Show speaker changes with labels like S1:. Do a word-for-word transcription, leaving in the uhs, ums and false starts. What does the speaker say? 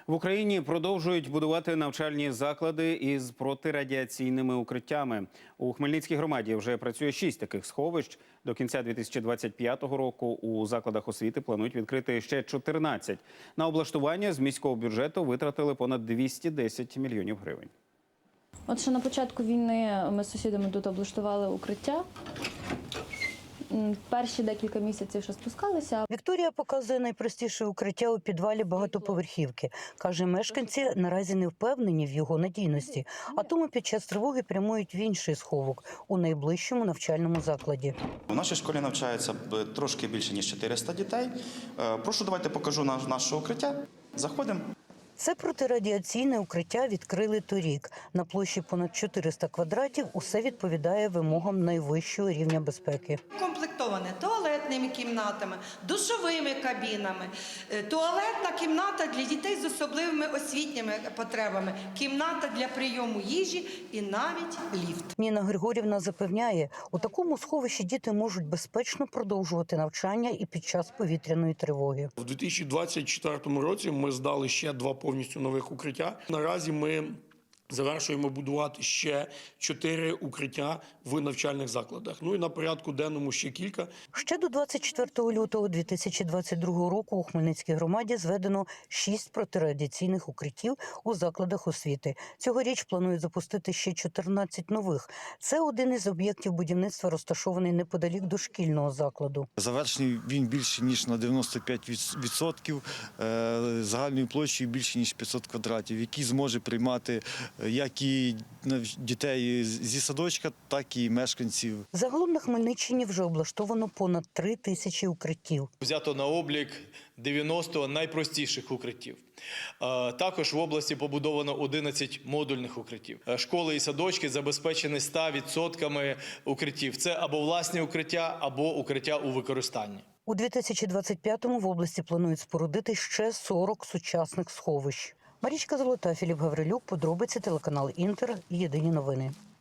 S1: В Україні продовжують будувати навчальні заклади із протирадіаційними укриттями. У Хмельницькій громаді вже працює шість таких сховищ. До кінця дві тисячі двадцять п'ятого року у закладах освіти планують відкрити ще чотирнадцять. На облаштування з міського бюджету витратили понад двісті десять мільйонів гривень.
S2: От ще на початку війни ми з сусідами тут облаштували укриття. Перші декілька місяців ще спускалися.
S3: Вікторія показує найпростіше укриття у підвалі багатоповерхівки. Каже, мешканці наразі не впевнені в його надійності, а тому під час тривоги прямують в інший сховок у найближчому навчальному закладі.
S4: У нашій школі навчається трошки більше, ніж чотириста дітей. Прошу, давайте покажу наше укриття. Заходимо.
S3: Це протирадіаційне укриття відкрили торік. На площі понад чотириста квадратів усе відповідає вимогам найвищого рівня безпеки.
S5: Комплектоване туалетними кімнатами, душовими кабінами, туалетна кімната для дітей з особливими освітніми потребами, кімната для прийому їжі і навіть ліфт.
S3: Ніна Григорівна запевняє, у такому сховищі діти можуть безпечно продовжувати навчання і під час повітряної тривоги.
S6: У дві тисячі двадцять четвертому році ми здали ще два повністю нових укриття. Наразі ми завершуємо будувати ще чотири укриття в навчальних закладах. Ну і на порядку денному ще кілька.
S3: Ще до двадцять четвертого лютого дві тисячі двадцять другого року у Хмельницькій громаді зведено шість протирадіаційних укриттів у закладах освіти. Цьогоріч планують запустити ще чотирнадцять нових. Це один із об'єктів будівництва, розташований неподалік дошкільного закладу.
S7: Завершений він більше, ніж на дев'яносто п'ять відсотків, загальною площею більше, ніж п'ятсот квадратів, який зможе приймати як і дітей зі садочка, так і мешканців.
S3: Загалом на Хмельниччині вже облаштовано понад три тисячі укриттів.
S8: Взято на облік дев'яносто найпростіших укриттів. Також в області побудовано одинадцять модульних укриттів. Школи і садочки забезпечені ста відсотками укриттів. Це або власні укриття, або укриття у використанні.
S3: У дві тисячі двадцять п'ятому в області планують спорудити ще сорок сучасних сховищ. Марічка Золота, Філіп Гаврилюк, подробиці, телеканал Інтер, єдині новини.